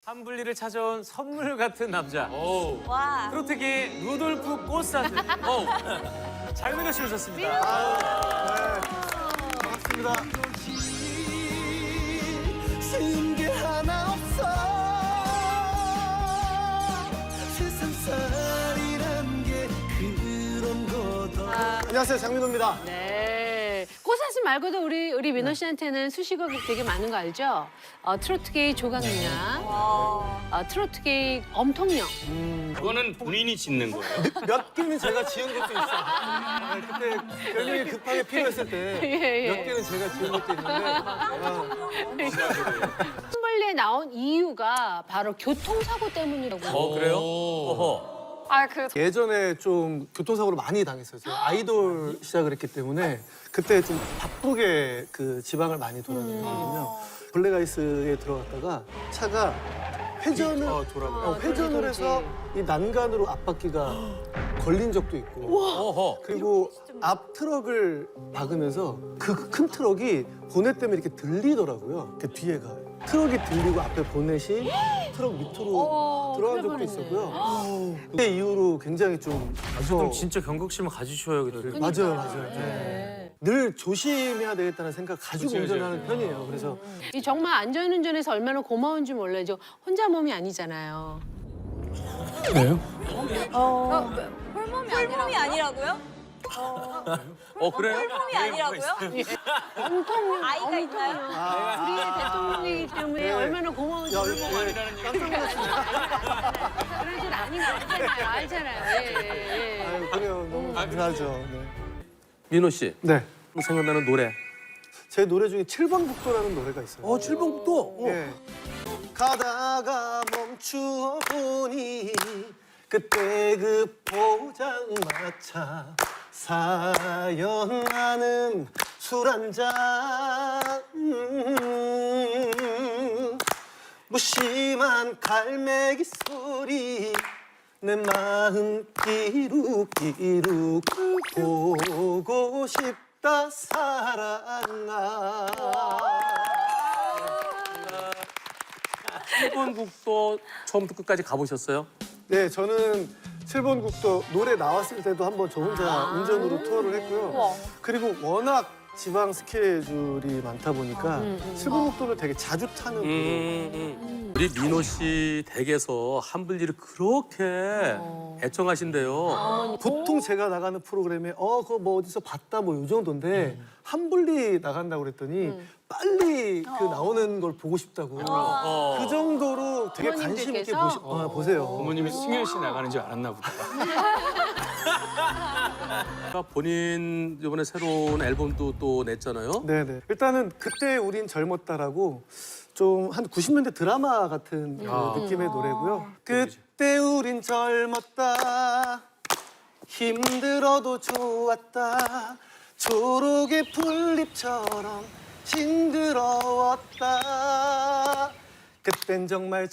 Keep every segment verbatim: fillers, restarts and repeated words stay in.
한블리를 찾아온 선물 같은 남자. 오. 와. 트로트계의 루돌프 꽃사슴. 오. 장민호 씨 오셨습니다. 반갑습니다. 쉬운 게 하나 없어. 세상살이란 게 그런 거다. 안녕하세요, 장민호입니다. 네. 꽃사슴 말고도 우리 우리 민호 씨한테는 수식어가 되게 많은 거 알죠? 어, 트로트계의 조각느냐, 와. 어, 트로트계의 엄통령. 그거는 본인이 짓는 거예요. 몇 개는 제가 지은 것도 있어요. 네, 그때 별명이 급하게 필요했을 때 몇 예, 예. 개는 제가 지은 것도 있는데 어, 한벌레에 나온 이유가 바로 교통사고 때문이라고. 어, 그래요? 어허. 아, 그 예전에 좀 교통사고를 많이 당했어요. 제가 아이돌 시작을 했기 때문에 그때 좀 바쁘게 그 지방을 많이 돌아다녔거든요. 블랙아이스에 들어갔다가 차가 회전을 어, 돌아가. 어, 회전을 해서 이 난간으로 앞바퀴가 걸린 적도 있고 어허. 그리고 앞 트럭을 박으면서 그 큰 트럭이 보넷 때문에 이렇게 들리더라고요. 그 뒤에가 트럭이 들리고 앞에 보넷이 트럭 밑으로 어, 들어간 적도 큰일 있었고요. 그때 이후로 굉장히 좀 무서워. 그럼 진짜 경각심을 가지셔야겠어요. 맞아요, 맞아요. 네. 늘 조심해야 되겠다는 생각 가지고 그치, 그치. 운전하는 편이에요. 그래서 이 정말 안전운전에서 얼마나 고마운지 몰라요. 저 혼자 몸이 아니잖아요. 어, 홀몸이, 홀몸이 아니라고요? 어, 그래요? 홀몸이 아니라고요? 엄통령. 아이가 있나요? 우리의 대통령이기 때문에 네. 얼마나 고마운지 야, 몰라요. 예, 깜짝 놀랐어요. 그런 줄 아닌 거 알잖아요. 알잖아요. 예, 예, 예. 아유, 그래요. 너무 감사하죠. 네. 민호 씨, 네. 생각나는 노래. 제 노래 중에 칠 번 국도라는 노래가 있어요. 어, 칠 번 국도. 예. 가다가 멈추어 보니 그때 그 포장마차 사연하는 술 한잔 음, 무심한 갈매기 소리 내 마음 끼룩끼룩 보고 싶다 사랑아. 칠 번 국도 처음부터 끝까지 가보셨어요? 네, 저는 칠 번 국도 노래 나왔을 때도 한번 저 혼자 운전으로 투어를 했고요. 그리고 워낙 지방 스케줄이 많다 보니까 칠 번 국도를 되게 자주 타는 음, 음. 우리 민호 씨 댁에서 한블리를 그렇게 애청하신대요. 보통 제가 나가는 프로그램에 어 그거 뭐 어디서 봤다 뭐 이 정도인데 한블리 나간다고 그랬더니 빨리 그 나오는 걸 보고 싶다고 어. 그 정도로 되게 관심 있게 부모님들께서? 보시, 어, 보세요. 부모님이 승현 씨 나가는 줄 알았나 보다. 그러니까 본인 이번에 새로운 앨범도 또 냈잖아요. 네네. 일단은 그때 우린 젊었다라고 좀 한 구십 년대 드라마 같은 그 아. 느낌의 노래고요. 그때 우린 젊었다 힘들어도 좋았다 초록의 풀잎처럼 싱그러웠다 그땐 정말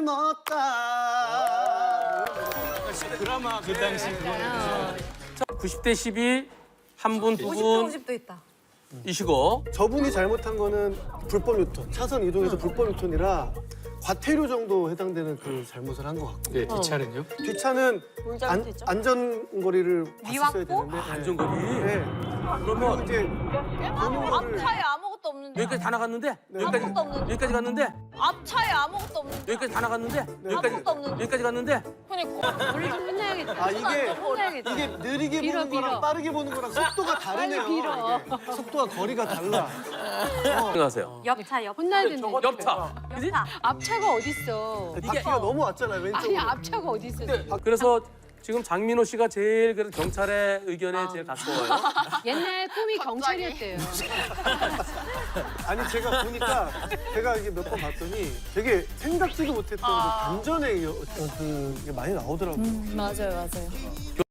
젊었다. 드라마 그 당시 구십 대 십이 한 분, 두 분 오십도 있다. 이시고 저분이 잘못한 거는 불법 유턴, 차선 이동에서 불법 유턴이라 과태료 정도 해당되는 그 잘못을 한 것 같고 네, 뒷차는요? 뒷차는 뭘 안, 잘못했죠? 안전거리를 봤었어야 미완보? 되는데 네. 안전거리. 네. 그러면 이제 보는 거를 앞차에 아무것도 없는데. 여기까지 다 나갔는데 네. 여기까지 아무것도 없는데. 여기까지 갔는데 앞차에 아무것도 없는데. 여기까지 다 나갔는데 여기까지 아무것도 없는데. 여기까지 갔는데 그러니까. 우리 좀 혼나야겠다. 아 이게 혼나야겠다. 이게 느리게 빌어, 보는 거랑 빌어. 빠르게 보는 거랑 속도가 다르네요. 빨리 빌어. 이게. 속도가 거리가 달라. 생각하세요. 옆차, 옆차. 혼나야 된다. 옆차. 그지? 앞차가 어딨어? 바퀴가 너무 왔잖아요 왼쪽으로. 아니 앞차가 어딨어? 그래서 지금 장민호 씨가 제일 그 경찰의 의견에 제일 가까워요. 옛날 꿈이 경찰이었대요. 아니 제가 보니까 제가 이게 몇 번 봤더니 되게 생각지도 못했던 그 반전의 여- 어떤 그게 많이 나오더라고요. 맞아요, 맞아요.